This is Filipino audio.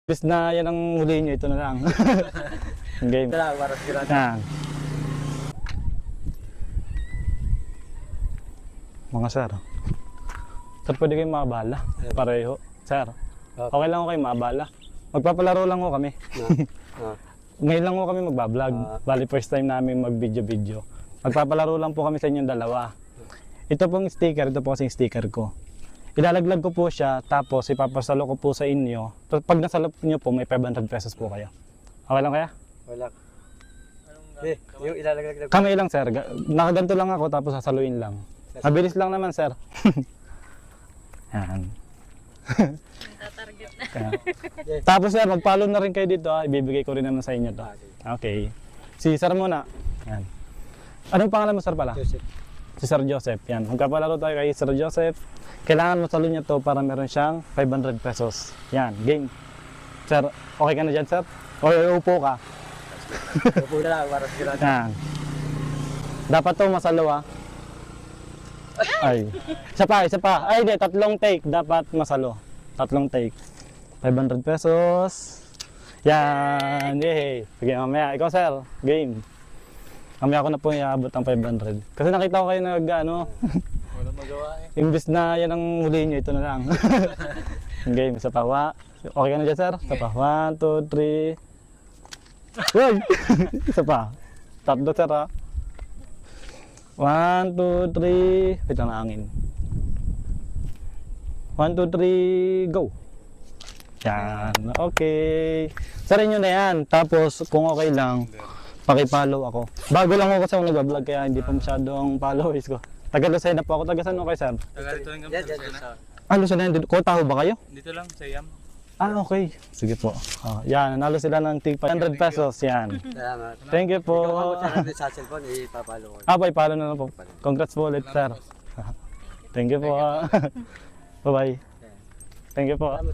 Bis na yan ang huli nyo, ito na lang. Game. Yan. Mga sir. Sir, pwede kayong makabala. Pareho. Sir, okay lang ko kayo makabala. Magpapalaro lang ko kami. Ngayon lang ko kami magbablog. Bali first time namin mag-video-video. Magpapalaro lang po kami sa inyong dalawa. Ito pong sticker, ito po kasing sticker ko. Ilalaglag ko po siya, tapos ipapasalo ko po sa inyo. Pag nasalo nyo po, may 500 pesos po kayo. Okay lang kaya? Wala. Yung ilalaglag. Kamay lang sir, nakaganto lang ako tapos sasaluin lang. Mabilis lang naman sir. Yan. Tatarget na. Tapos sir, mag-follow na rin kayo dito ha. Ibibigay ko rin naman sa inyo to. Okay. Si sir muna. Yan. Anong pangalan mo sir pala? Joseph. Si Sir Joseph. Yan. Magpapalaro tayo kay Sir Joseph. Kailangan mo salo niya to para meron siyang 500 pesos. Yan. Game. Sir, okay ka na dyan sir? O upo ka? Upo na lang, para sigurado. Yan. Dapat to masalo ha. Ay. Isa pa. Ay, di. Tatlong take. Dapat masalo. Tatlong take. 500 pesos. Yan. Yay. Sige, mamaya. Ikaw, sir. Game. Mamaya ako na po iabot ang 500. Kasi nakita ko kayo nag-ano. Wala magawa eh. Imbis na yan ang huli nyo, ito na lang. Game. Isa pa. Okay ka na dyan, sir? Isa pa. 1, 2, 3. Uy! Isa pa. Tatlo, sir, ha? 1, 2, 3. Wait lang na angin. 1, 2, 3, go! Yan. Okay. Sarin nyo na yan. Tapos, kung okay lang, paki-follow ako. Bago lang ako kasi ako nag-vlog kaya hindi pa masyadong followers ko. Taga Lucena po ako. Taga saan mo kayo, sir? Taga dito lang kami sa Lucena. Ah, Lucena. Kotaho ba kayo? Dito lang, sa IAM. Ah, okay. Sige po. Yan, nanalo sila ng tig 500 pesos. Yan. Salamat. Thank you po. Ikaw ako sa cellphone, ipapalo ko. Ah, follow na lang po. Congrats po ulit, sir. Thank you po. Bye-bye. Thank you po.